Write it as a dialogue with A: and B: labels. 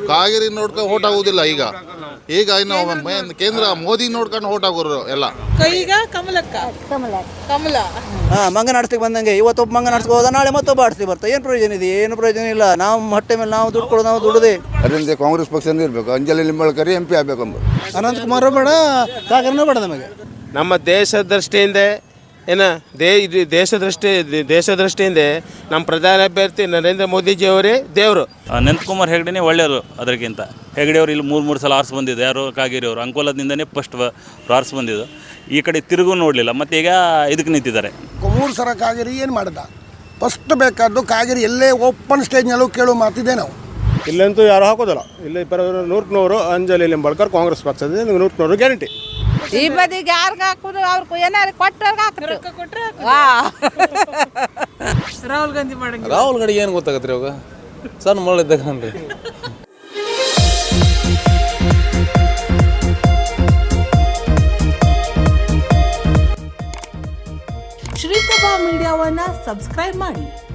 A: ಕಾವೇರಿ ನೋಡ್ಕೊಂಡು ಓಟ್ ಆಗೋದಿಲ್ಲ ಈಗ ಇನ್ನು ಕೇಂದ್ರ ಮೋದಿ ನೋಡ್ಕೊಂಡು ಓಟ್ ಆಗೋರು ಎಲ್ಲ.
B: ಈಗ ಕಮಲ
C: ಮಂಗ ನಾಡಿಸ್ಲಿಕ್ಕೆ ಬಂದಂಗೆ ಇವತ್ತೊಬ್ಬ ಮಂಗ ನಾಡಿಸ್ಕೋದ, ನಾಳೆ ಮತ್ತೊಬ್ಬ ಆಡಿಸ್ಲಿ ಬರ್ತಾ. ಏನು ಪ್ರಯೋಜನ ಇದೆ? ಏನು ಪ್ರಯೋಜನ ಇಲ್ಲ. ನಾವು ಹೊಟ್ಟೆ ಮೇಲೆ ನಾವು ದುಡ್ಡು ಕೊಡೋದು, ನಾವು ದುಡ್ಡದೆ.
D: ಅದರಿಂದ ಕಾಂಗ್ರೆಸ್ ಪಕ್ಷನೇ ಇರಬೇಕು. ಅಂಜಲಿ ನಿಂಬಾಳ್ಕರ್ MP ಆಗಬೇಕು.
C: ಅನಂತಕುಮಾರ್ ಬೇಡ, ಕಾಗೇರಿನೂ ಬೇಡ ನಮಗೆ.
E: ನಮ್ಮ ದೇಶ ದೃಷ್ಟಿಯಿಂದ ದೇಶ ದೃಷ್ಟಿಯಿಂದ ನಮ್ಮ ಪ್ರಧಾನ ಅಭ್ಯರ್ಥಿ ನರೇಂದ್ರ ಮೋದಿಜಿಯವರೇ ದೇವರು.
F: ಅನಂತಕುಮಾರ್ ಹೆಗಡೆನೇ ಒಳ್ಳೆಯವರು. ಅದಕ್ಕಿಂತ ಹೆಗಡೆಯವರು ಇಲ್ಲಿ ಮೂರು ಸಲ ಆರಿಸಿ ಬಂದಿದ್ದು. ಯಾರು ಕಾಗೇರಿ ಅವರು ಅಂಕೋಲದಿಂದನೇ ಫಸ್ಟ್ ಆರಿಸಿ ಬಂದಿದ್ದು. ಈ ಕಡೆ ತಿರುಗೂ ನೋಡಲಿಲ್ಲ, ಮತ್ತು ಈಗ ಇದಕ್ಕೆ ನಿಂತಿದ್ದಾರೆ.
G: 3 ಸಲ ಕಾಗೇರಿ ಏನು ಮಾಡಿದ? ಫಸ್ಟ್ ಬೇಕಾದ್ದು ಕಾಗೇರಿ ಎಲ್ಲೇ ಓಪನ್ ಸ್ಟೇಜ್ನಲ್ಲೂ ಕೇಳೋ ಮಾತಿದೆ. ನಾವು
H: ಇಲ್ಲಂತೂ ಯಾರು ಹಾಕೋದಿಲ್ಲ. ಇಲ್ಲಿ 100 ಅಂಜಲಿ ನಿಂಬಾಳ್ಕರ್ ಕಾಂಗ್ರೆಸ್ ಪಕ್ಷದಿಂದ 100 ಗ್ಯಾರಂಟಿ.
B: ಈ ಬದಿಗೆ ಯಾರಿಗೆ ಹಾಕೋದು? ಅವ್ರು ಏನಾರು ಕೊಟ್ಟವ್ರಿಗೆ ಹಾಕ್ತಾರೆ. ರಾಹುಲ್ ಗಾಂಧಿ ಮಾಡಂಗಿಲ್ಲ.
I: ರಾಹುಲ್ ಗಾಂಧಿ ಏನು ಗೊತ್ತಾಗತ್ರಿ ಅವಾಗ? ಸಣ್ಣ ಮಗಳಿದ್ದಾಗನ್ರಿ.
J: ಶ್ರೀಪ್ರಭಾ ಮೀಡಿಯಾವನ್ನ ಸಬ್ಸ್ಕ್ರೈಬ್ ಮಾಡಿ.